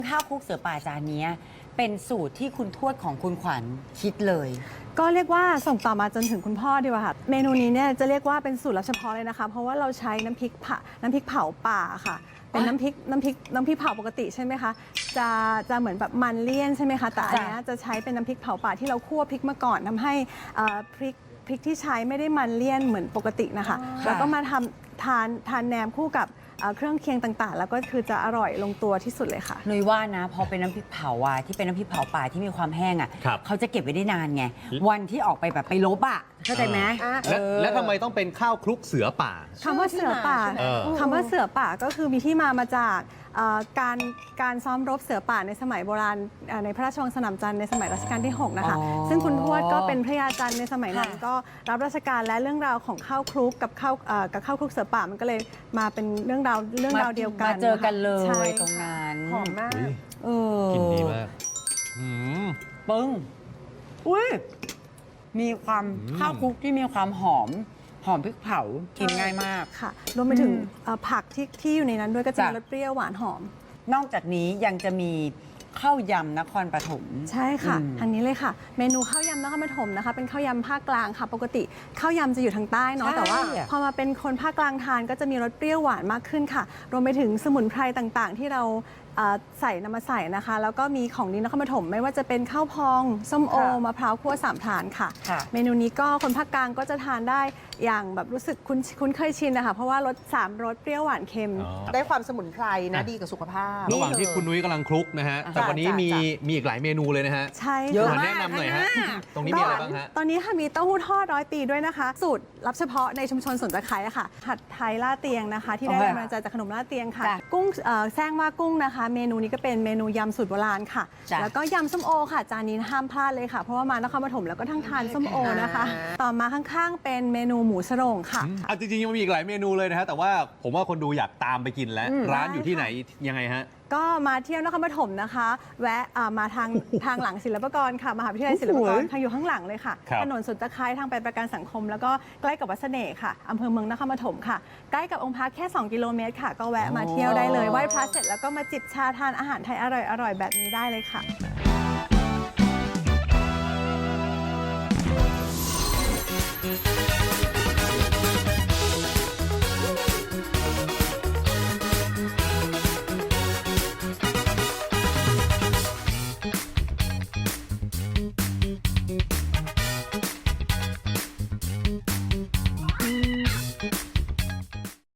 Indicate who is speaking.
Speaker 1: ข้าวคลุกเสือป่าจานนี้เป็นสูตรที่คุณทวดของคุณขวัญคิดเลย
Speaker 2: ก็เรียกว่าส่งต่อมาจนถึงคุณพ่อดีกว่าค่ะเมนูนี้เนี่ยจะเรียกว่าเป็นสูตรลับเฉพาะเลยนะคะเพราะว่าเราใช้น้ำพริกเผาป่าค่ะเป็นน้ำพริกเผาปกติใช่ไหมคะจะเหมือนแบบมันเลี่ยนใช่ไหมคะแต่อันนี้จะใช้เป็นน้ำพริกเผาป่าที่เราคั่วพริกมาก่อนทำให้พริกที่ใช้ไม่ได้มันเลี่ยนเหมือนปกตินะคะแล้วก็มาทานแหนมคู่กับเครื่องเคียงต่างๆ แล้วก็คือจะอร่อยลงตัวที่สุดเลยค่ะ
Speaker 1: นุ้ยว่านะพอเป็นน้ำพริกเผาอ่ะที่เป็นน้ำพริกเผาป่าที่มีความแห้งอ่ะเขาจะเก็บไว้ได้นานไงวันที่ออกไปแบบไปลบอ่ะเข้าใจไหม
Speaker 3: แล้วทำไมต้องเป็นข้าวคลุกเสือป่า
Speaker 2: คำว่าเสือป่าก็คือมีที่มาจากการซ้อมรบเสือป่าในสมัยโบราณในพระราชวังสนามจันทร์ในสมัยรัชกาลที่ 6 นะคะซึ่งคุณทวดก็เป็นพระยาจันทร์ในสมัยนั้นก็รับราชการและเรื่องราวของข้าวคลุกกับข้าวคลุกเสือป่ามันก็เลยมาเป็นเรื่องราวเดียวกัน
Speaker 1: มาเจอกันเลยตรงนั้น
Speaker 2: หอมมาก
Speaker 3: กินดีมาก
Speaker 1: ปึ้งอุ้ยมีความข้าวคลุกที่มีความหอมพริกเผากินง่ายมาก
Speaker 2: ค่ะรวมไปถึงผักที่อยู่ในนั้นด้วยก็จะมีรสเปรี้ยวหวานหอม
Speaker 1: นอกจากนี้ยังจะมีข้าวยำนครปฐม
Speaker 2: ใช่ค่ะทางนี้เลยค่ะเมนูข้าวยำนครปฐมนะคะเป็นข้าวยำภาคกลางค่ะปกติข้าวยำจะอยู่ทางใต้เนาะแต่ว่าพอมาเป็นคนภาคกลางทานก็จะมีรสเปรี้ยวหวานมากขึ้นค่ะรวมไปถึงสมุนไพรต่างๆ ที่เรานำมาใส่นะคะแล้วก็มีของดีนครปฐมไม่ว่าจะเป็นข้าวพองส้มโอมะพร้าวคั่ว3 พรานค่ะเมนูนี้ก็คนภาคกลางก็จะทานได้อย่างแบบรู้สึกคุ้นเคยชินนะคะเพราะว่ารส3 รสเปรี้ยวหวานเค็ม
Speaker 4: ได้ความสมุนไพรนะดีกับสุขภาพ
Speaker 3: ระหว่างที่คุณนุ้ยกำลังคลุกนะฮะแต่วันนี้มีอีกหลายเมนูเลยนะฮะ
Speaker 2: ใช่
Speaker 1: เยอะมาก
Speaker 3: แนะนำหน่อยฮะตรงนี้มีอะไรบ้างฮะ
Speaker 2: ตอนนี้ค่ะมีเต้าหู้ทอด100 ปีด้วยนะคะสูตรลับเฉพาะในชุมชนสวนตะไคร้ค่ะผัดไทยล่าเตียงนะคะที่ได้แรงบันดาลใจจากขนมล่าเตียงค่ะกุ้งแซงว่ากุ้งนะคะเมนูนี้ก็เป็นเมนูยำสูตรโบราณค่ะแล้วก็ยำส้มโอค่ะจานนี้ห้ามพลาดเลยค่ะเพราะว่ามานครปฐมแล้วก็ทั้งทานส้มโอนะคะต่อมาข้างๆเป็นเมนูหมูสโรงค่ะ
Speaker 3: จริงๆยังมีอีกหลายเมนูเลยนะฮะแต่ว่าผมว่าคนดูอยากตามไปกินแล้วร้านอยู่ที่ไหนยังไงฮะ
Speaker 2: ก็มาเที่ยวนครปฐมนะคะแวะมาทางหลังศิลปากรค่ะมหาวิทยาลัยศิลปากรทางอยู่ข้างหลังเลยค่ะถนนสุนทรคายทางไปประกันสังคมแล้วก็ใกล้กับวัดเสน่ห์ค่ะอำเภอเมืองนครปฐมค่ะใกล้กับองค์พระแค่2 กิโลเมตรค่ะก็แวะมาเที่ยวได้เลยไหว้พระเสร็จแล้วก็มาจิบชาทานอาหารไทยอร่อยๆแบบนี้ได้เลยค่ะ